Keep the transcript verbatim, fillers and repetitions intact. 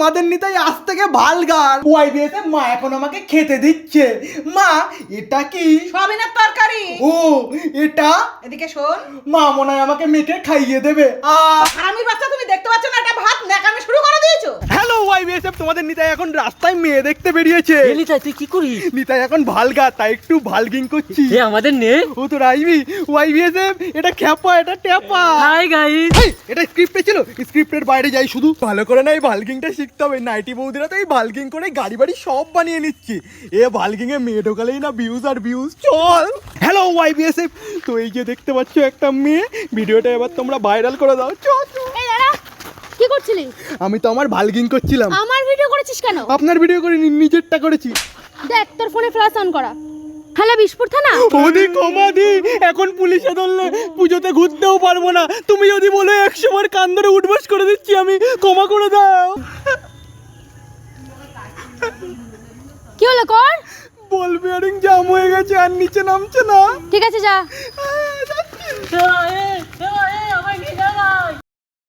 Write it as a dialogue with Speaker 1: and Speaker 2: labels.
Speaker 1: তোমাদের নিতাই আজ থেকে ভালগার। ওয়াইবিএস এ মা এখন আমাকে খেতে দিচ্ছে। মা এটা কি?
Speaker 2: সয়াবিনের তরকারি।
Speaker 1: ও এটা?
Speaker 2: এদিকে শোন,
Speaker 1: মা মনে হয় আমাকে মেখে খাইয়ে দেবে। আ
Speaker 2: হারামির বাচ্চা, তুমি দেখতে পাচ্ছ না এটা ভাত ন্যাকামি শুরু করে দিয়েছো?
Speaker 1: হ্যালো ওয়াইবিএস এফ, তোমাদের নিতাই এখন রাস্তায় মেয়ে দেখতে বেরিয়েছে।
Speaker 3: নিতাই তুই কি করিস?
Speaker 1: নিতাই এখন ভালগা, তাই একটু ভালগিং করছি।
Speaker 3: এ আমাদের নে।
Speaker 1: ও তো রাইবি। ওয়াইবিএস এফ এটা খ্যাপা, এটা ট্যাপা।
Speaker 3: Hi guys.
Speaker 1: এই, এটা স্ক্রিপ্টে ছিল, স্ক্রিপ্টের বাইরে যাই শুধু। ভালো করে না এই ভালগিংটা শিখতে হবে। নাইটি বৌদিরা তো এই ভালগিং করে গাড়ি বাড়ি সব বানিয়ে নিচ্ছে। এ ভালগিং এ মেয়ে ঢোকালেই না ভিউজ আর ভিউজ। চল। হ্যালো ওয়াইবিএসএফ, তো এই যে দেখতে পাচ্ছ একটা মেয়ে, ভিডিওটা এবার তোমরা ভাইরাল করে দাও। চল চল।
Speaker 4: এই দাঁড়া, কি করছিলি?
Speaker 1: আমি তো আমার ভালগিং করছিলাম।
Speaker 4: আমার ভিডিও করেছিস কেন?
Speaker 1: আপনার ভিডিও করে নিজেরটা করেছি।
Speaker 4: দেখ তোর ফোনে ফ্ল্যাশ অন করা। হ্যালো বিশপুর থানা।
Speaker 1: ওদি কমাদি, এখন পুলিশে ধরলে পুজোতে ঘুরতেও পারবো না। তুমি যদি বলো একশো বার কান ধরে উঠবাস করে দিচ্ছি আমি, ক্ষমা করে দাও।
Speaker 4: কি হলো কর?
Speaker 1: বল বিয়ারিং জাম হয়ে গেছে আর নিচে নামছে না।
Speaker 4: ঠিক আছে যা।
Speaker 3: এ